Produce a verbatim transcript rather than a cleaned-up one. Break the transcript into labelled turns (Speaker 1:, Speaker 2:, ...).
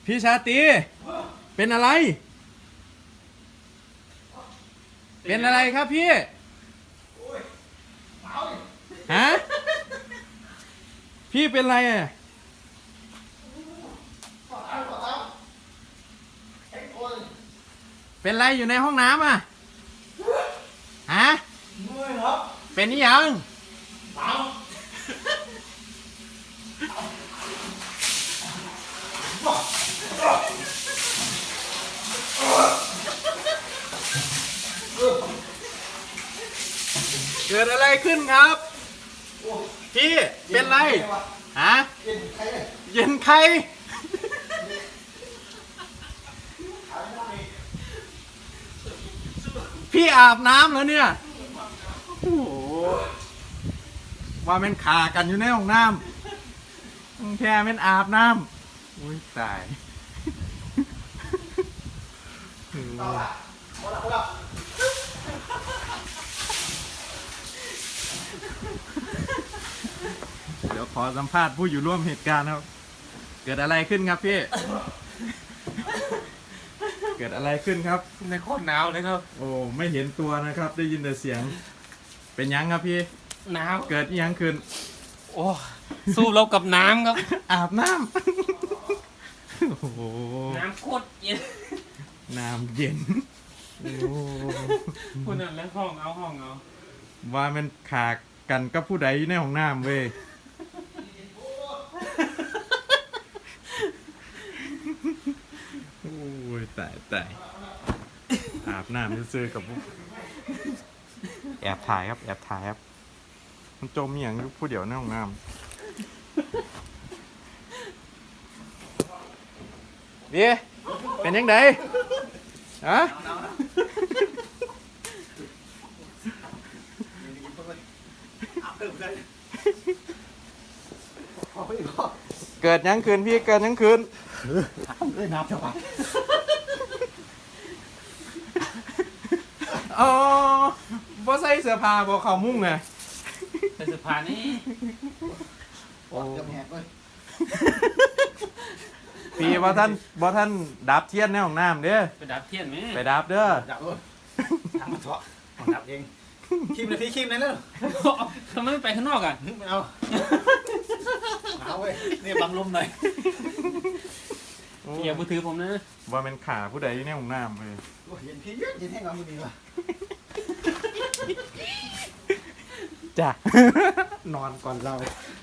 Speaker 1: พี่ชาตรีเป็นอะไร เป็นอะไรครับพี่ฮะพี่เป็นอะไรอ่ะเป็นอะไรอยู่ในห้องน้ำอ่ะฮะเป็นนี่ยังเกิดอะไรขึ้นครับพี่เป็นไรฮะเย็นใครพี่อาบน้ำแล้วเนี่ยโอ้โหว่ามันขากันอยู่ในห้องน้ำแค่มันอาบน้ำอุ้ยตายเดี๋ยวขอสัมภาษณ์ผู้อยู่ร่วมเหตุการณ์ครับเกิดอะไรขึ้นครับพี่เกิดอะไรขึ้นครับ
Speaker 2: ในโคตรหนาวเลยครับ
Speaker 1: โอ้ไม่เห็นตัวนะครับได้ยินแต่เสียงเป็นยังครับพี่
Speaker 2: หนาว
Speaker 1: เกิดยังขึ้น
Speaker 2: โอ้สู้เรากับน้ำครับ
Speaker 1: อาบน้ำโอ้โห
Speaker 2: น้ำโคตรเย็น
Speaker 1: น้ำเย็นโอ้
Speaker 2: คุณนั่นแล้วห้องเอาห้องเอา
Speaker 1: ว่ามันขากันกับผู้ใดในห้องน้ำเว้ยโอ้ยตายตายอาบน้ำซื้อกับแอบถ่ายครับแอบถ่ายครับมันจมอย่างผู้เดียวในห้องน้ำเบี้ยเป็นยังไงฮะเกิดยังคืนพี่เกิดยังคืน
Speaker 3: เอ้ยนับเท่าไหร่
Speaker 1: อ๋อบ่ใส่เสื้อผ้าบ่เข้ามุ้งไง
Speaker 2: ใส่เสื้อผ้านี่
Speaker 3: โอ้จะแหกเลย
Speaker 1: พี่บ่ท่านบ่ท่านดับเทียนในห้องน้ำเด้อ
Speaker 2: ไปดับเทียนไหม
Speaker 1: ไปดับเด้อ
Speaker 3: ดับเลยทำมาเถอะดับเองคิมเลยพี่คิมเลยเนอะ
Speaker 2: ทำไมไม่ไปข้างนอกอ่ะ
Speaker 3: ไม่เอาเอาเว้ยนี่บังลมหน่อย
Speaker 2: อย่ามือถือผมนะ
Speaker 1: ว่าเป็นขาผู้ใดในห้องน้ำเลย
Speaker 3: เย็นพี่เย็นเย็นให้เราไม่ดีว่ะ
Speaker 1: จ้ะนอนก่อนเรา